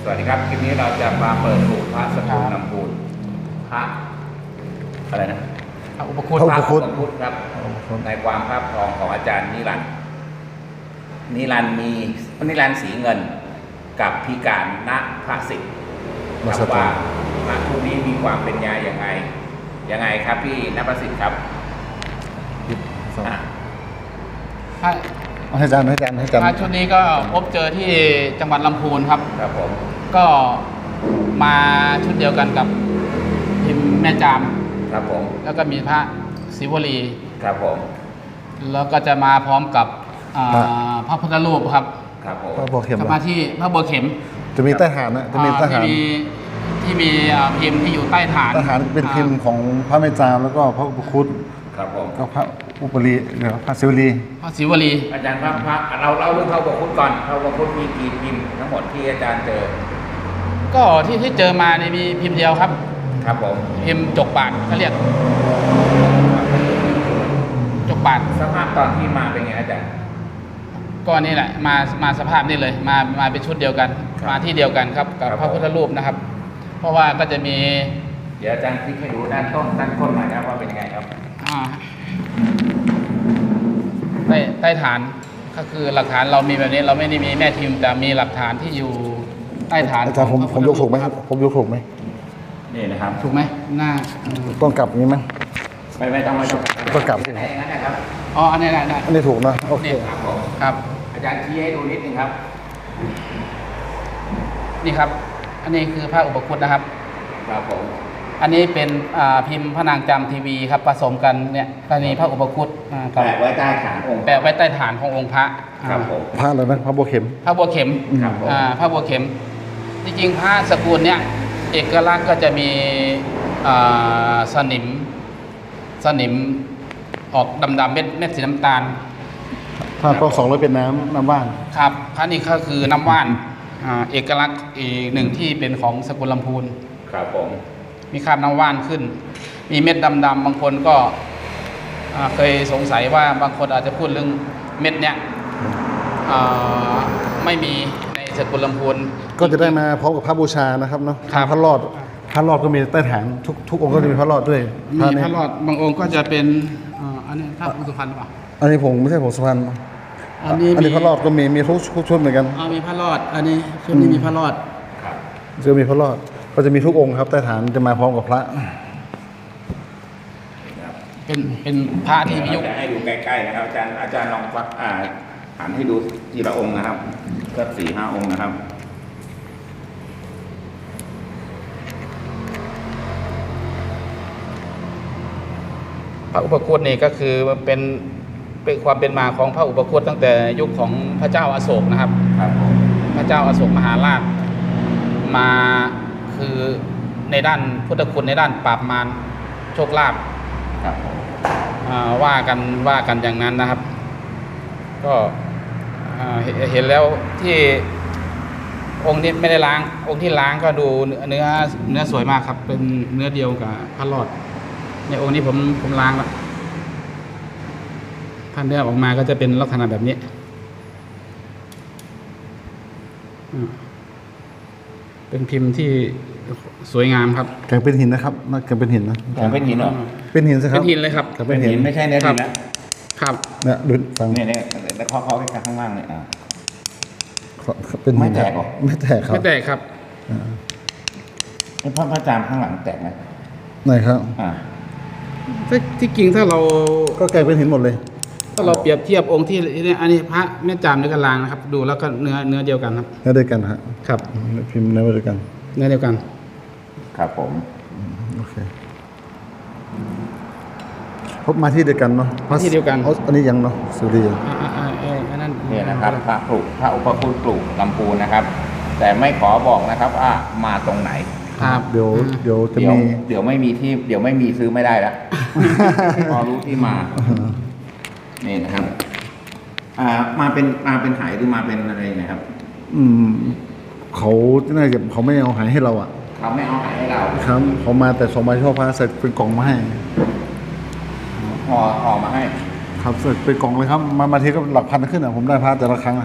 สวัสดีครับคลิปนี้เราจะมาเปิดสูตรพระสกุลลำพูนพระอะไรนะพระอุปคุตพระอุปคุตครับในความภาพทองของอาจารย์นิรันดร์สีเงินกับพิการณพระสิทธิ์ครับว่าพระคู่นี้มีความเป็นยาอย่างไงครับพี่ณพระสิทธิ์ครับพระให้อาจารย์พระชุดนี้ก็พบเจอที่จังหวัดลำพูนครับครับผมก็มาชุดเดียวกันกับพิมพ์แม่จามครับผมแล้วก็มีพระศิวลีครับผมแล้วก็จะมาพร้อมกับพระพุทธรูปครับครับผมพระบัวเข็มจะมาที่พระบัวเข็มจะมีใต้ฐานนะจะมีใต้ฐานที่มีพิมพ์ที่อยู่ใต้ฐานใต้ฐานเป็นพิมพ์ของพระแม่จามแล้วก็พระอุปคุตครับผมก็พระอุปรีพระศิวลีพระศิวลีอาจารย์พระเราเล่าเรื่องพระอุปคุตก่อนพระอุปคุตมีกี่พิมพ์ทั้งหมดที่อาจารย์เจอก็ที่เจอมาในมีพิมพ์เดียวครับครับผมพิมพ์จกบาทเขาเรียกจกบาทสภาพตอนที่มาเป็นไงอาจารย์ก็นี่แหละมาสภาพนี่เลยมาเป็นชุดเดียวกันครับมาที่เดียวกันครับกับครับพระพุทธรูปนะครับ เพราะว่าก็จะมีเดี๋ยวอาจารย์พลิกให้ดูด้านต้นหน่อยครับว่าเป็นยังไงครับอ่าใต้ฐานก็คือหลักฐานเรามีแบบนี้เราไม่ได้มีแม่พิมพ์แต่มีหลักฐานที่อยู่ใต้ฐานอาจารย์ผมของพระยกถูกไหมพุทธผมยกถูกไหมนี่นะครับถูกไหมหน้าต้องกลับอย่างนี้ไหมไม่ต้องต้องกลับไหนอย่างนั้นนะครับอ๋ออันนี้ได้อันนี้ถูกนะโอเคนี่ครับผมครับอาจารย์ชี้ให้ดูนิดนึงครับนี่ครับ อันนี้คือพระอุปคุตนะครับครับผมอันนี้เป็นพิมพ์พระนางจำทีวีครับผสมกันเนี่ยกรณีพระอุปคุตกับแปะไว้ใต้ฐานองค์แปะไว้ใต้ฐานขององค์พระครับผมพระอะไรนะพระบัวเข็มพระบัวเข็มครับผมพระบัวเข็ม จริงๆพระสกุลเนี่ยเอกลักษณ์ก็จะมีสนิมออกดำๆเม็ดสีน้ำตาลถ้าก็200เป็นน้ำว่านครับพระนี่ก็คือน้ำว่านเอกลักษณ์อีกหนึ่งที่เป็นของสกุลลำพูนครับผมมีคราบน้ำว่านขึ้น มีเม็ดดำๆบางคนก็เคยสงสัยว่าบางคนอาจจะพูดเรื่องเม็ดเนี้ยไม่มีในสกุลลำพูนก็จะได้มาพร้อมกับพระบูชานะครับเนาะครับพระรอดก็มีใต้ฐานทุกองค์ก็จะมีพระรอดด้วยมีนี้พระรอดบางองค์ก็จะเป็นอันนี้พระอุสุพรรณหรือเปล่าอันนี้ผมไม่ใช่ผมสุพรรณอันนี้อันนี้พระรอดก็มีทุกชุดเหมือนกันมีพระรอด อันนี้ชุดนี้มีพระรอดครับจะมีพระรอดก็จะมีทุกองค์ครับใต้ฐานจะมาพร้อมกับพระเป็นพระที่มียุคจะให้ดูใกล้ๆนะครับอาจารย์ลองฟักหันให้ดูทีละองค์นะครับก็4-5 องค์นะครับพระอุปคุตนี่ก็คือเป็นความเป็นมาของพระอุปคุตตั้งแต่ยุคของพระเจ้าอโศกนะครับครับผมพระเจ้าอโศกมหาราชมาคือในด้านพุทธคุณในด้านปราบมารโชคลาภครับผมว่ากันอย่างนั้นนะครับ ก็เห็นแล้วที่องค์นี้ไม่ได้ล้าง องค์ที่ล้างก็ดูเนื้อสวยมากครับ เป็นเนื้อเดียวกับพระรอดในองค์นี้ผมล้างแล้วถ้าเนื้อออกมาก็จะเป็นลักษณะแบบนี้เป็นพิมพ์ที่สวยงามครับแกงเป็นหินนะครับน่าแกงเป็นหินนะผมเป็นหินเหรอเป็นหินสิคเป็รับนหินเลยครับเป็นหินไม่ใช่เนื้อดินแล้วครับเนี่ยดูฟังเนี่ยแล้วเคาะข้างล่างเนี่ยเป็นหินไม่แตกหรอไม่แตกครับไม่แตกครับพระอาจารย์ข้างหลังแตกไหมไหนครับที่จริงถ้าเราก็แกงเป็นหินหมดเลยถ้าเราเปรียบเทียบองค์ที่เนี่ยอันนี้พระแม่จามด้วยกันลางนะครับ ดูแล้วก็เนื้อเดียวกันครับเนื้อเดียวกันฮะครับพิมพ์เนื้อเดียวกันเนื้อเดียวกันครับผมโอเคพบมาที่เดียวกันเนาะมาที่เดียวกันอันนี้ยังเนาะสุริยอันนั้นเนี่ยนะครับพระอุปคุตปลูกลำพูนนะครับ แต่ไม่ขอบอกนะครับว่ามาตรงไหนครับเดี๋ยวจะเดี๋ยวมีเดี๋ยวไม่มีที่เดี๋ยวไม่มีซื้อไม่ได้แล้ว พอรู้ที่มา นี่นะครับ มาเป็นหายหรือมาเป็นอะไรนะครับเขาน่าจะเขาไม่เอาหายให้เราอ่ะเขาไม่เอาหายให้เราครับเขามาแต่ส่งมาช่อพระเสร็จเป็นกล่องมาให้ห่อมาให้ครับเสร็จเป็นกล่องเลยครับมาทีก็หลักพันขึ้นอ่ะผมได้พระแต่ละครั้งนะครับพ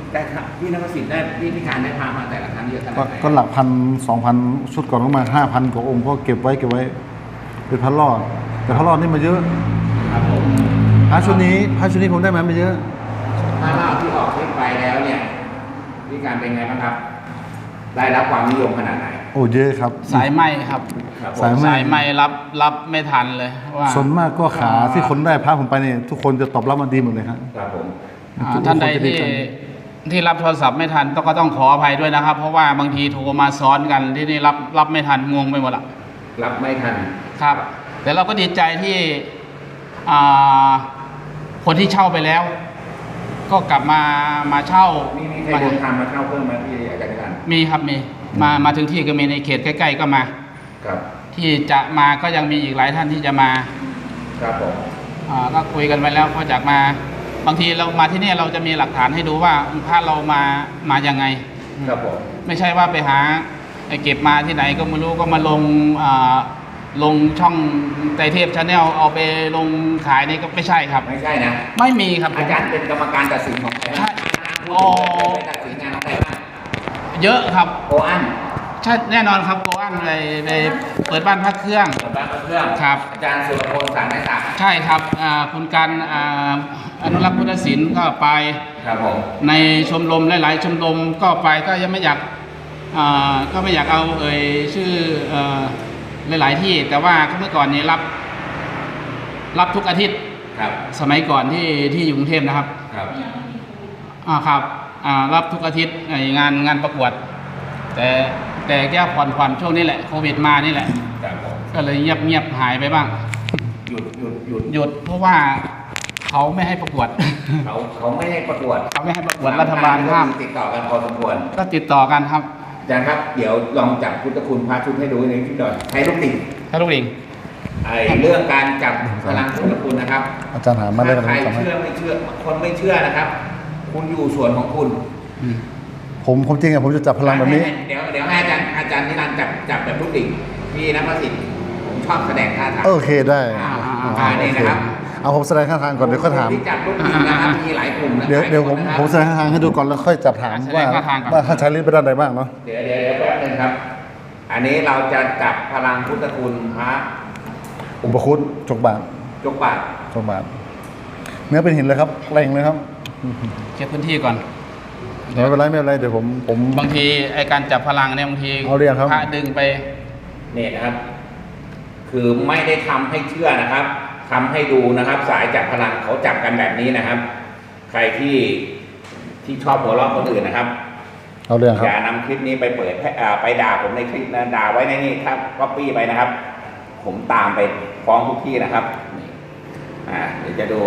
ได้ครับพี่นภสิทธิ์ได้พี่การได้พามาแต่ละครั้งเยอะขนาดไหนก็หลัก1,000 2,000 ชุดก่อนก็มา5,000 กว่าองค์ก็เก็บไว้เป็นพระรอดแต่พระรอดนี่มาเยอะครับผมพระชุดนี้ผมได้มาไม่เยอะถ้าเราที่ออกเทปไปแล้วเนี่ยพี่การเป็นไงบ้างครับ ได้รับความนิยมขนาดไหนโอ้เยอะครับสายไหมครับครับผมสายไหมสายไหมรับไม่ทันเลยว่าส่วนมากก็ขาที่คนได้พระผมไปเนี่ยทุกคนจะตอบรับมาดีหมดเลยครับครับผมท่านใดที่รับโทรศัพท์ไม่ทันก็ต้องขออภัยด้วยนะครับ เพราะว่าบางทีโทรมาซ้อนกันที่นี่รับไม่ทันงงไปหมดละรับไม่ทันครับ แต่เราก็ดีใจที่อ่าคนที่เช่าไปแล้ว ก็กลับมาเช่ามีใครเดินทางมาเข้าเพิ่มไหมพี่อาจารย์กันมีครับมีมาถึงที่ก็มีในเขตใกล้ๆก็มาครับที่จะมาก็ยังมีอีกหลายท่านที่จะมาครับผมก็คุยกันไปแล้วก็จากมาบางทีเรามาที่นี่เราจะมีหลักฐานให้ดูว่าพระเรามายังไงครับผมไม่ใช่ว่าไปหาเก็บมาที่ไหนก็ไม่รู้ก็มาลงช่องไตรเทพชาแนลเอาไปลงขายนี่ก็ไม่ใช่ครับไม่ใช่นะไม่มีครับอาจารย์เป็นกรรมการตัดสินของใครบ้างโอ้ไปตัดสินงานของใครบ้างเยอะครับโออันใช่แน่นอนครับโกอันไปเปิดบ้านพักเครื่องเปิดบ้านเครื่องครับอาจารย์สุรพลสารไม้สักใช่ครับคุณการอนุรักษ์พุทธศิลป์ก็ไปครับผมในชมรมหลายๆชมรมก็ไปก็ยังไม่อยากก็ไม่อยากเอาชื่อหลายๆที่ แต่ว่าเมื่อก่อนนี้รับทุกอาทิตย์ครับสมัยก่อนที่อยู่กรุงเทพนะครับครับครับรับทุกอาทิตย์งานประกวด แต่แก้ผ่อนช่วงนี้แหละโควิดมานี่แหละครับผมก็เลยเงียบหายไปบ้างหยุดหยุดเพราะว่าเขาไม่ให้ประกวดเขาไม่ให้ประกวดเขาไม่ให้ประกวดรัฐบาลห้ามติดต่อกันพอสมควรก็ติดต่อกันครับอาจารย์ครับเดี๋ยวลองจับพุทธคุณพระชุดให้ดูในคลิปหน่อยใช้ลูกติ่งถ้าลูกลิงเรื่องการจับพลังพุทธคุณนะครับอาจารย์หามาได้กันใครทำให้เชื่อไม่เชื่อคนไม่เชื่อนะครับ คุณอยู่ส่วนของคุณผมจริงอะผมจะจับพลังแบบนี้เดี๋ยวให้อาจารย์นิรันดร์จับแบบลูกติ่งพี่นภสิทธิ์ผมชอบแสดงท่าทางโอเคได้นี่นะครับเอาผมแสดงท่าทางก่อนเดี๋ยวค่อยถามที่จับลูกติ่งนะครับมีหลายกลุ่มนะเดี๋ยวผมหลายคนนะครับผมแสดงท่าทางให้ดูก่อนแล้วค่อยจับถามว่าท่านใช้ลิ้นไปด้านใดบ้างเนาะเดี๋ยวแป๊บนึงครับ อันนี้เราจะจับพลังพุทธคุณพระอุปคุตจกบาทจกบาทจกบาทเนื้อเป็นหินเลยครับแรงเลยครับเคลียร์พื้นที่ก่อนไม่เป็นไรเดี๋ยวผมบางทีไอการจับพลังเนี่ยบางทีเอาเรียงครับพระดึงไปเนี่ยนะครับ คือไม่ได้ทำให้เชื่อนะครับทำให้ดูนะครับ สายจับพลังเขาจับกันแบบนี้นะครับ ใครที่ชอบหัวเราะคนอื่นนะครับเอาเรื่องครัอบ ย่านำคลิปนี้ไปเปิดไปด่าผมในคลิปนะด่าไว้ในนี่ถ้าก๊อปปี้ไปนะครับ ผมตามไปฟ้องทุกที่นะครับนี่เดี๋ยวจะดู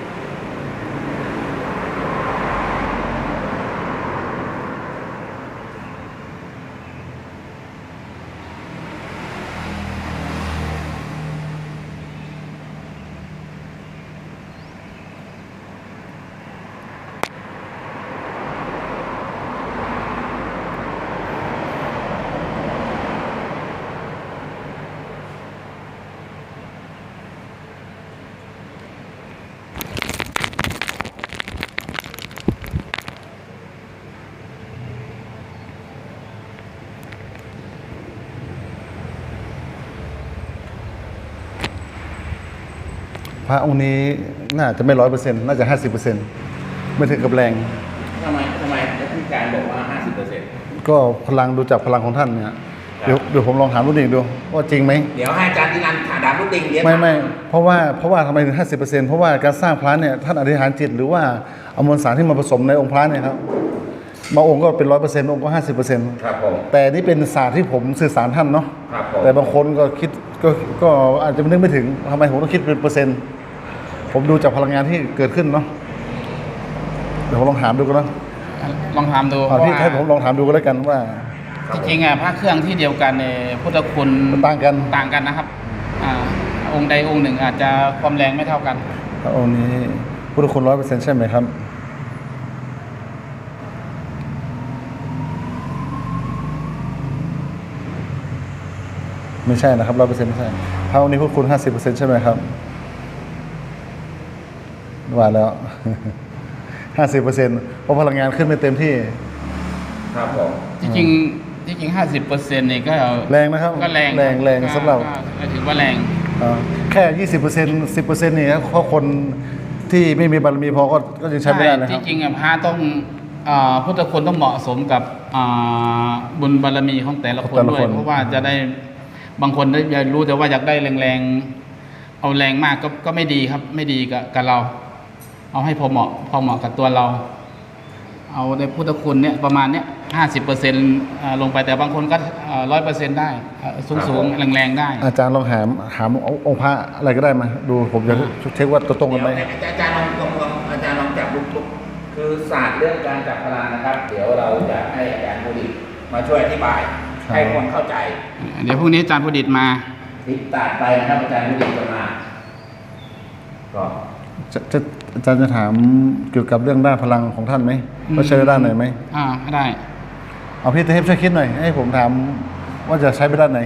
พระองค์นี้น่าจะไม่100%น่าจะ50%ไม่ถึงกับแรงทำไมแล้วพี่การบอกว่า 50% ก็พลังดูจากพลังของท่านเนี่ยเดี๋ยวผมลองถามรุ่นเองดูว่าจริงไหมเดี๋ยวให้อาจารย์นิรันดร์ถามดามลูกติงเดี๋ยวไม่เพราะว่าทำไมถึง50%เพราะว่าการสร้างพระเนี่ยท่านอธิษฐานจิตหรือว่าเอามวลสารที่มาผสมในองค์พระเนี่ยครับบางองค์ก็เป็น100%บางองค์ก็50% ครับผมแต่นี่เป็นศาสตร์ที่ผมสื่อสารท่านเนาะครับผมแต่บางคนก็คิดก็อาจจะนึกไม่ถึงทำไมผมต้องคิดเป็นเปอร์เซ็นต์ ผมดูจากพลังงานที่เกิดขึ้นเนาะเดี๋ยวผมลองถามดูกันเนาะลองถามดูเพพี่ราะว่าให้ผมลองถามดูก็แล้วกันว่าจริงๆพระเครื่องที่เดียวกันพุทธคุณมันต่างกันต่างกันนะครับองค์ใดองค์หนึ่งอาจจะความแรงไม่เท่ากันพระองค์นี้พุทธคุณ100%ใช่ไหมครับไม่ใช่นะครับ100%ไม่ใช่พระองค์นี้พุทธคุณ50%ใช่ไหมครับว่าแล้ว 50%เพราะพลังงานขึ้นไม่เต็มที่ครับผมที่จริง50%นี่ก็แรงนะครับก็แรงแรงสำหรับก็ถือว่าแรงแค่ 20% 10%นี่ครับเพราะคนที่ไม่มีบารมีพอก็ยังใช้ไม่ได้นะคที่รับจริงพระต้องพุทธคุณต้องเหมาะสมกับบุญบารมีของแต่ละคนด้วย เพราะว่าจะได้บางคนได้รู้แต่ว่าอยากได้แรงๆเอาแรงมากก็ไม่ดีครับ ไม่ดีกับเรา เอาให้พอเหมาะกับตัวเรา เอาในพุทธคุณเนี่ยประมาณเนี้ย50%ลงไปแต่บางคนก็100%ได้สูงๆแรงๆได้อาจารย์ลองหามองค์พระอะไรก็ได้มาดูผมจะเช็คว่าตัวตรงกันไหมเดี๋ยวอาจารย์ลองจับลุกคือศาสตร์เรื่องการจับพลังนะครับ เดี๋ยวเราจะให้อาจารย์ผู้ดิตมาช่วยอธิบายให้คนเข้าใจเดี๋ยวพรุ่งนี้อาจารย์พุดิตมาติดตัดไปนะครับอาจารย์ผู้ดิตจะมาก็อาจารย์จะถามเกี่ยวกับเรื่องด้านพลังของท่านไหมว่าใช้ด้านไหนไหมได้เอาพี่เทพช่วยคิดหน่อยให้ผมถามว่าจะใช้ไปด้านไหน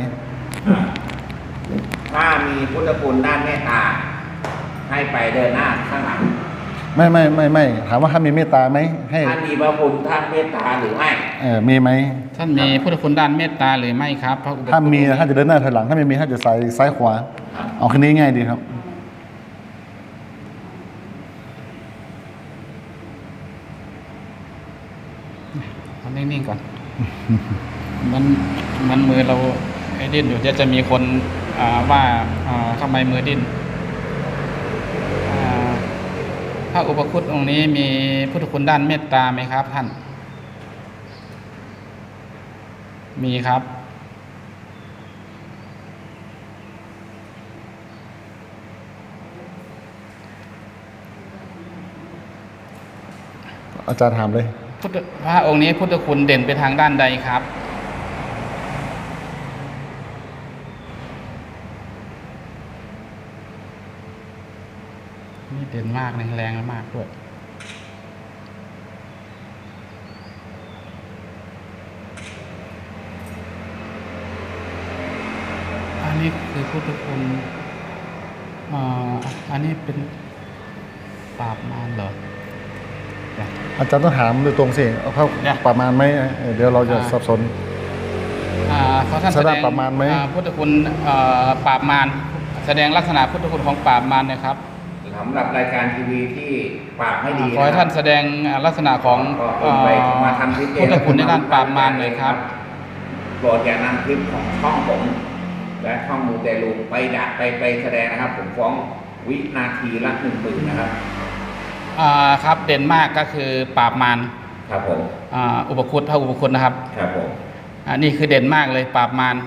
ถ้ามีพุทธคุณด้านเมตตาให้ไปเดินหน้าข้างหลังไม่ถามว่าท่านมีเมตตาไหมให้ท่านมีพระคุณท่านเมตตาหรือไม่มีไหมท่านมีพุทธคุณด้านเมตตาหรือไม่ครับพระอุปคุฎถ้ามีท่านจะเดินหน้าถอยหลังถ้าไม่มีท่านจะซ้ายขวาเอาแค่นี้ง่ายดีครับทำนิ่งๆก่อน มันมือเราไอ้ดิ้นอยู่จะมีคนว่าทำไมมือดิ้นพระอุปคุฎองค์นี้มีพุทธคุณด้านเมตตาไหมครับท่าน มีครับอาจารย์ถามเลยพระองค์นี้พุทธคุณเด่นไปทางด้านใดครับ นี่เด่นมากแรงมากด้วย อันนี้คือพุทธคุณอันนี้เป็นปราบมารเหรออาจารย์ต้องถามโดยตรงสิเอาเข้าเนี่ยประมาณไหมเดี๋ยวเราจะสับสนเพราะท่านแสดงปราบมารไหมพุทธคุณปราบมารแสดงลักษณะพุทธคุณของปราบมารนะครับสำหรับรายการทีวีที่ปากไม่ดีขอให้ท่านแสดงลักษณะของก็ไปมาทำคลิปพุทธคุณในด้านปราบมารหน่อยครับโปรดอย่านำคลิปของช่องผมและช่องมูเตลูไปแสดงนะครับ ผมฟ้องวินาทีละ10,000นะครับครับเด่นมากก็คือปราบมารครับผมอุปคุฎพระอุปคุฎนะครับครับผมนี่คือเด่นมากเลยปราบมาร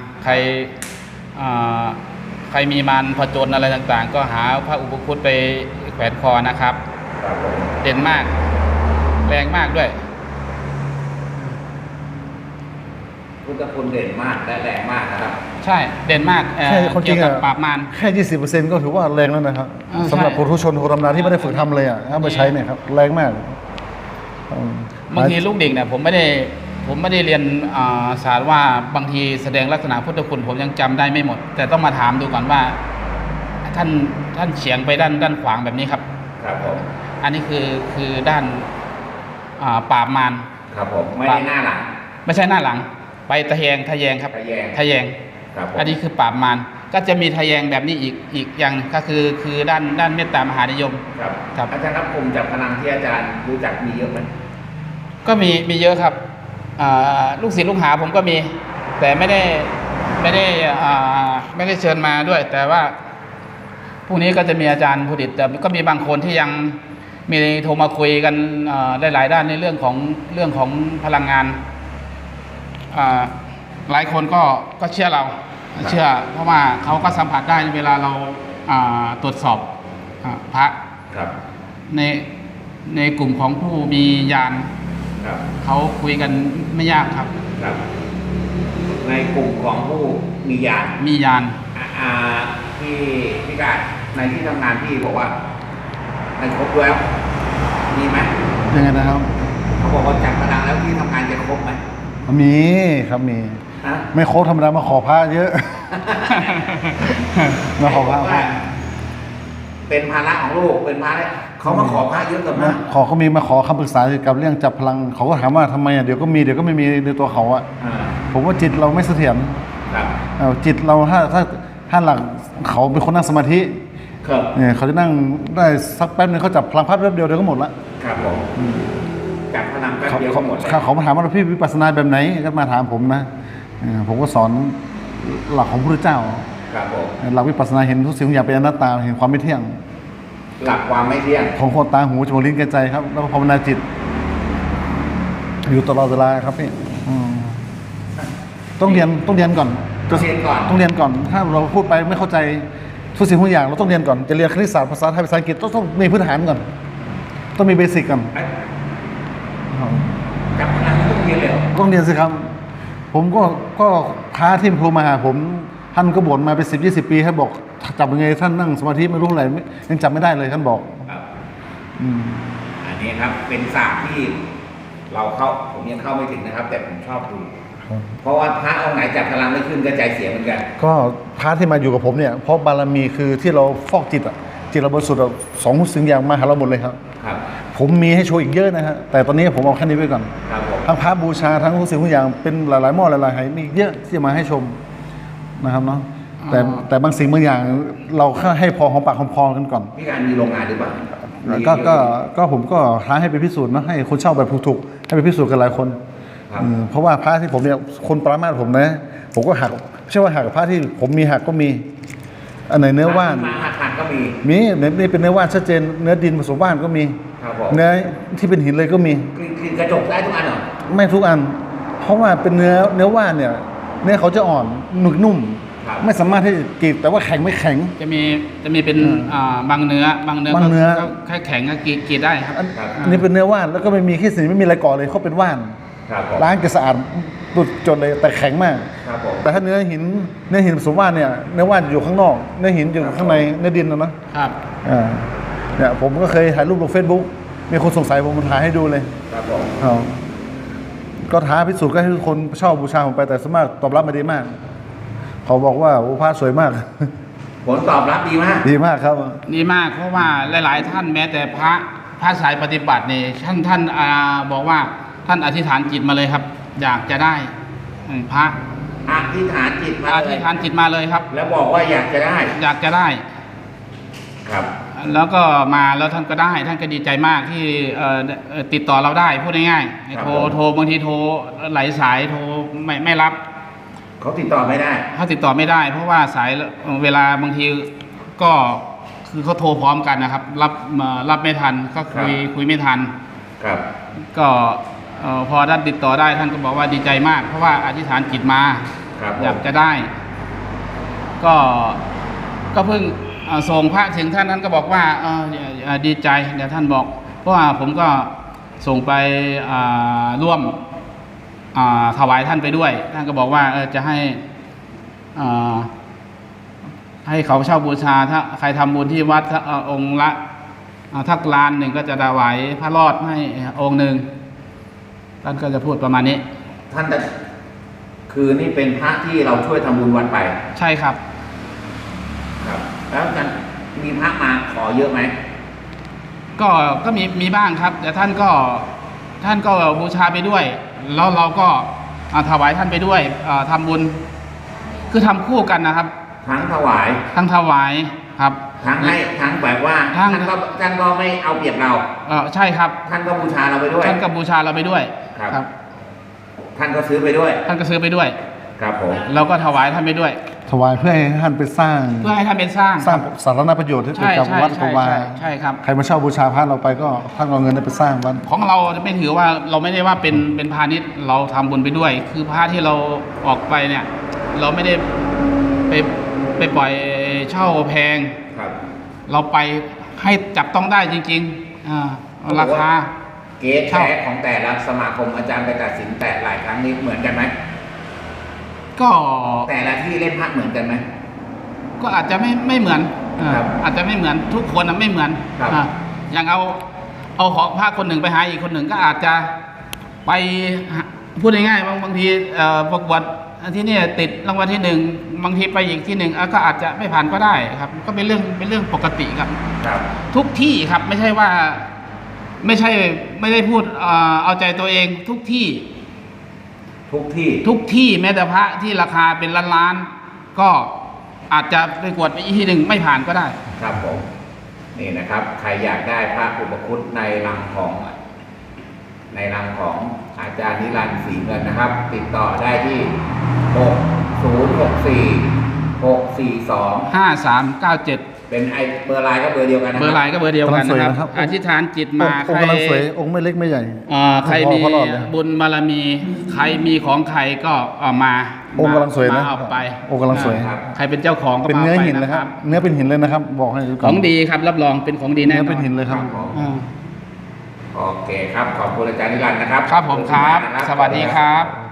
ใครมีมารผจญอะไรต่างๆ ก็หาพระอุปคุฎไปแขวนคอนะครับครับผมเด่นมาก แรงมากด้วยพุทธคุณเด่นมากและแรงมากนะครับใช่เด่นมากแค่ความจริเกี่ยวงกับอะปราบมารแค่ 20%ก็ถือว่าแรงแล้วนะครับใช่สำหรับผู้ทุชนคนธรรมดาที่ไม่ได้ฝึกทำเลยเอามาใช้เนี่ยครับแรงมากบางทีลูกเด็กเนี่ยผมไม่ได้เรียนศาสตร์ว่าบางทีแสดงลักษณะพุทธคุณผมยังจำได้ไม่หมด แต่ต้องมาถามดูก่อนว่า ท่านเฉียงไปด้านขวางแบบนี้ครับครับผมอันนี้คือด้านปราบมารครับผมไม่ได้หน้าหลังไม่ใช่หน้าหลัง ไปทะแยงครับทะแยงทะแยงครับผมอันนี้คือปราบมารก็จะมีทะแยงแบบนี้อีกอย่างก็คือด้านเมตตามหานิยมครับครับอาจารย์ครับผมจับพลังที่อาจารย์รู้จักมีเยอะไหมก็มีเยอะครับลูกศิษย์ลูกหาผมก็มี แต่ไม่ได้เชิญมาด้วย แต่ว่าพรุ่งนี้ก็จะมีอาจารย์ผู้ดิตแต่ก็มีบางคนที่ยังมีโทรมาคุยกันได้หลายด้านในเรื่องของพลังงานหลายคนก็เชื่อเราเชื่อ เพราะว่าเขาก็สัมผัสได้เวลาเราตรวจสอบพระครับในกลุ่มของผู้มีญาณครับเขาคุยกันไม่ยากครับครับ ในกลุ่มของผู้มีญาณมีญาณที่พี่กาดในที่ทำงานพี่บอกว่ามันครบแล้วมีไหมยังไงนะครับเขาบอกว่าจับพลังแล้วที่ทำงานจะครบไหมมีครับมีฮะไม่โค้ชธรรมดามาขอพระเยอะ มาขอพระว่าเป็นภาระของลูกเป็นภาระเขามาขอพระเยอะกับมากเขามีมาขอคำปรึกษาเกี่ยวกับเรื่องจับพลังเขาก็ถามว่าทำไมเดี๋ยวก็มีเดี๋ยวก็ไม่มีในตัวเขาอะอ่าผมว่าจิตเราไม่เสถียรครับจิตเราถ้าหลักเขาเป็นคนนั่งสมาธิครับเนี่ยเขาจะนั่งได้สักแป๊บนึงเขาจับพลังพัดแป๊บเดียวเดี๋ยวก็หมดละครับผมจับพลังแป๊บเขาเดียวก็หมดเลยเขามาถามว่าพี่วิปัสสนาแบบไหนก็มาถามผมนะผมก็สอนหลักของพระพุทธเจ้าครับผมหลักวิปัสสนาเห็นทุกสิ่งทุกอย่างเป็นอนัตตาเห็นความไม่เที่ยงหลักความไม่เที่ยงของคนตาหูจมูกลิ้นกายใจครับ แล้วก็ภาวนาจิต อยู่ตลอดเวลาครับพี่ต้องเรียนก่อนต้องเรียนก่อนต้องเรียนก่อน ถ้าเราพูดไปไม่เข้าใจทุกสิ่งทุกอย่างเราต้องเรียนก่อนจะเรียนคณิตศาสตร์ภาษาไทยภาษาอังกฤษต้องมีพื้นฐานก่อนต้องมีเบสิกก่อนจับพลังต้องเรียนเลยเหรอต้องเรียนสิครับ ผมก็พระที่ครูมาหาผมท่านก็บ่นมาเป็น10-20 ปีให้บอกจับยังไงท่านนั่งสมาธิไม่รู้อะไรยังจับไม่ได้เลยท่านบอกครับอันนี้ครับเป็นศาสตร์ที่ผมยังเข้าไม่ถึงนะครับ แต่ผมชอบดู เพราะว่าพระองค์ไหนจับพลังไม่ขึ้นก็ใจเสียเหมือนกันก็พระที่มาอยู่กับผมเนี่ยเพราะบารมีคือที่เราฟอกจิตอะจิตเราบริสุทธิ์อะสองสิ่งอย่างมาหาเราหมดเลยครับครับผมมีให้โชว์อีกเยอะนะฮะแต่ตอนนี้ผมเอาแค่นี้ไว้ก่อนครับผมทั้งพระบูชาทั้งทุกสิ่งทุกอย่างเป็นหลายๆหม้อหลายๆไหมีอีกเยอะที่จะมาให้ชมนะครับเนาะแต่บางสิ่งบางอย่างเราแค่ให้พอหอมปากหอมคอกันก่อนพี่การมีโรงงานหรือเปล่าก็ผมก็ท้าให้ไปพิสูจน์นะให้คนเช่าแบบถูกๆให้ไปพิสูจน์กันหลายคนครับเพราะว่าพระที่ผมเนี่ยคนปรามาสผมนะผมก็หักไม่ใช่ว่าหักพระที่ผมมีหักก็มี อันไหนเนื้อว่านมาหักก็มีมีนี่เป็นเนื้อว่านชัดเจนเนื้อดินผสมว่านก็มีครับผมเนื้อที่เป็นหินเลยก็มีกลิ่นกระจกได้ทุกอันเหรอไม่ทุกอัน เพราะว่าเป็นเนื้อว่านเนี่ยเนื้อเขาจะอ่อนหนึบนุ่มครับไม่สามารถที่จะกรีดแต่ว่าแข็งไม่แข็งจะมีเป็นบางเนื้อบางเนื้อางเนื้อก็แค่แข็งก็กรีดได้ครับอันนี้เป็นเนื้อว่านแล้วก็ไม่มีขี้สีไม่มีอะไรก่อเลยเขาเป็นว่านครับผมล้างจะสะอาดตุดจนเลยแต่แข็งมากครับผมแต่ถ้าเนื้อหินผสมว่านเนี่ยเนื้อว่านอยู่ข้างนอกเนื้อหินอยู่ข้างในเนื้อดินนะครับ เนี่ยผมก็เคยถ่ายรูปลง Facebook มีคนสงสัยผมถ่ายให้ดูเลยครับผมครับก็ท้าพิสูจน์ก็ให้ทุกคนชอบบูชาผมไปแต่สวนมากตอบรับมาดีมาก เขาบอกว่าโอ้พระสวยมากผลตอบรับดีมากดีมากครับดีมากเพราะว่าหลาย ๆ ท่านแม้แต่พระสายปฏิบัติเนี่ยท่านบอกว่าท่านอธิษฐานจิตมาเลยครับ อยากจะได้พระอธิษฐานจิตมาอเลธิยษฐานจิตมาเลยครับแล้วบอกว่าอยากจะได้อยากจะได้ครับแล้วก็มาแล้วท่านก็ได้ ท่านก็ดีใจมากที่ติดต่อเราได้พูดง่ายๆโทรบางทีโทรหลายสายโทรไม่รับเขาติดต่อไม่ได้เขาติดต่อไม่ได้ เพราะว่าสายเวลาบางทีก็คือเขาโทรพร้อมกันนะครับ รับไม่ทันก็คุยไม่ทันครับก็พอท่านติดต่อได้ท่านก็บอกว่าดีใจมาก เพราะว่าอธิษฐานจิตมาครับผมอยากจะได้ ก็เพิ่งส่งพระถึงท่านก็บอกว่าดีใจเดี๋ยวท่านบอก เพราะว่าผมก็ส่งไปร่วมถวายท่านไปด้วย ท่านก็บอกว่าจะให้เขาเช่าบูชาถ้าใครทำบุญที่วัดองค์ละทักล้านหนึ่งก็จะถวายพระรอดให้องค์หนึ่งท่านก็จะพูดประมาณนี้ท่านจะคือนี่เป็นพระที่เราช่วยทำบุญวัดไปใช่ครับครับ แล้วกันมีพระมาขอเยอะไหมก็มีบ้างครับ แต่ท่านก็บูชาไปด้วย แล้วเราก็ถวายท่านไปด้วยทำบุญคือทำคู่กันนะครับทั้งถวายทั้งถวายครับทั้งให้ทั้งแบบว่าทั้งท่านก็ไม่เอาเปรียบเราใช่ครับท่านก็บูชาเราไปด้วยท่านก็บูชาเราไปด้วยครับ ท่านก็ซื้อไปด้วยท่านก็ซื้อไปด้วยครับผมเราก็ถวายท่านไปด้วยถวายเพื่อให้ท่านไปสร้างเพื่อให้ท่านเป็นสร้างสาธารณประโยชน์ที่เกี่ยวกับใช่วัดใช่กวาใช่ครับใครมาเช่าบูชาพระเราไปก็ท่านเอาเงินนั้นไปสร้างวัดของเราไม่ถือว่าเราไม่ได้ว่าเป็นพาณิชย์เราทำบุญไปด้วย คือพระที่เราออกไปเนี่ย เราไม่ได้ไปปล่อยเช่าแพงครับเราไปให้จับต้องได้จริงๆราคาเกณฑ์แท้ของแต่ละสมาคมอาจารย์ไปตัดสินแต่หลายครั้งนี้เหมือนกันไหมก็แต่ละที่เล่นพระเหมือนกันไหมก็อาจจะไม่เหมือนครับอาจจะไม่เหมือนทุกคนไม่เหมือนครับอย่างเอาของพระคนหนึ่งไปหาอีกคนหนึ่งก็อาจจะไปพูดง่ายๆบางทีประกวดที่นี่ติดรางวัลที่หนึ่งบางทีไปอีกที่หนึ่งก็อาจจะไม่ผ่านก็ได้ครับก็เป็นเรื่องปกติครับครับทุกที่ครับไม่ใช่ว่าไม่ได้พูดเอาใจตัวเองทุกที่ทุกที่ทุกที่แม้แต่พระที่ราคาเป็นล้านๆก็อาจจะไปกวดไปอีกที่หนึ่งไม่ผ่านก็ได้ครับผมนี่นะครับ ใครอยากได้พระอุปคุตในรังของอาจารย์นิรันดร์ศรีเงินนะครับ ติดต่อได้ที่6064 642 5397 เป็นเบอร์ไลน์ก็เบอร์เดียวกันนะคเบอร์ไลน์ก็เบอร์เดียวกันนะครับอธิษฐานจิตมาองค์กำลังสวยองค์ไม่เล็กไม่ใหญ่ใครมีพอรอดเลยบุญบารมี ใครมีของใครก็เอามาองค์กำลังสวยนะมาเอาไปองค์กำลังสวยครับใครเป็นเจ้าของก็เป็นมาเนื้ออาไปหินเลยนะคครัรับบ เนื้อเป็นหินเลยนะครับ บอกให้ดูก่ขอนองดีครับรับรองเป็นของดีแน่เนื้อนอเป็นนหินเลยครับอ่าโอเคครับ ขอบคุณอาจารย์นิรันดร์นะครับครับผมครับขอณมากนะสวัสดีครับ